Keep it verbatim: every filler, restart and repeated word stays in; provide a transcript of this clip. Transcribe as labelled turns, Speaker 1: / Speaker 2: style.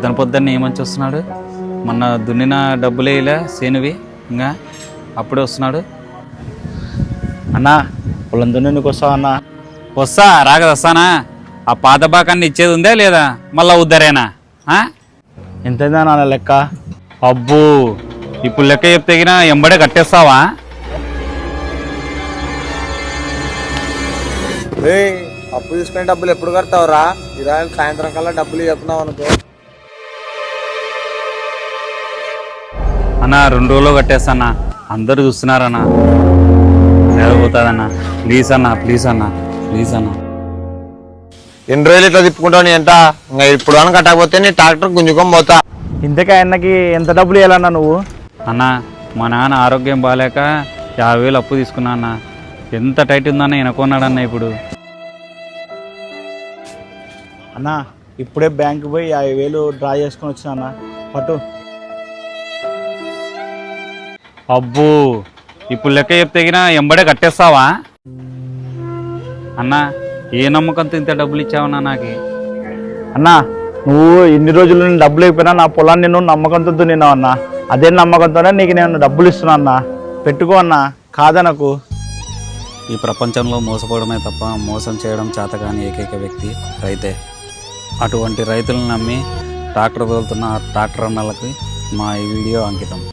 Speaker 1: పొద్దున పొద్దున్న ఏమని వస్తున్నాడు? మొన్న దున్నిన డబ్బులే ఇలా సేనువి ఇంకా అప్పుడే వస్తున్నాడు.
Speaker 2: అన్నా పొలం దున్నేందుకు వస్తావు అన్నా?
Speaker 1: వస్తా రాగద వస్తానా? ఆ పాత బాకాన్ని ఇచ్చేది ఉందా లేదా? మళ్ళా ఉద్దరేనా?
Speaker 2: ఎంతైందా నాన్న లెక్క?
Speaker 1: అబ్బో ఇప్పుడు లెక్క చెప్తేగినా ఎంబడే కట్టేస్తావా?
Speaker 3: అప్పు తీసుకునే డబ్బులు ఎప్పుడు కడతావురా? ఇరాయిలు సాయంత్రం కల్లా డబ్బులు చెప్తున్నావు అనుకో.
Speaker 1: అన్నా రెండు రోజులు కట్టేస్తానా, అందరూ చూస్తున్నారన్నా, పోతుందన్నా. ప్లీజ్ అన్నా ప్లీజ్ అన్నా ప్లీజ్ అన్నా.
Speaker 3: ఎన్ని రోజులు ఇట్లా తిప్పుకుంటావు నీ ఎంత? ఇంకా ఇప్పుడు అని కట్టకపోతే నీ ట్రాక్టర్ గుంజుకొని పోతా.
Speaker 2: ఇంతకా ఆయనకి ఎంత డబ్బులు ఇవ్వాలన్నా నువ్వు?
Speaker 1: అన్నా మా నాన్న ఆరోగ్యం బాగాలేక యాభై వేలు అప్పు తీసుకున్నా అన్న. ఎంత టైట్ ఉందన్న ఎనుకున్నాడన్న. ఇప్పుడు
Speaker 2: అన్నా ఇప్పుడే బ్యాంకు పోయి యాభై వేలు డ్రా చేసుకొని వచ్చినా అన్న, పట్టు.
Speaker 1: అబ్బో ఇప్పుడు లెక్క చెప్తేగినా ఎంబడే కట్టేస్తావా అన్నా? ఏ నమ్మకంతో ఇంత డబ్బులు ఇచ్చావన్నా నాకు?
Speaker 2: అన్నా నువ్వు ఇన్ని రోజులు నేను డబ్బులు అయిపోయినా నా పొలాన్ని నువ్వు నమ్మకంతో దున్నావు అన్నా. అదే నమ్మకంతోనే నీకు నేను డబ్బులు ఇస్తున్నా అన్నా, పెట్టుకో అన్నా, కాదా నాకు?
Speaker 1: ఈ ప్రపంచంలో మోసపోవడమే తప్ప మోసం చేయడం చేతకాని ఏకైక వ్యక్తి రైతే. అటువంటి రైతులను నమ్మి ట్రాక్టర్ తోలుతున్న ట్రాక్టర్ అన్నలకి మా ఈ వీడియో అంకితం.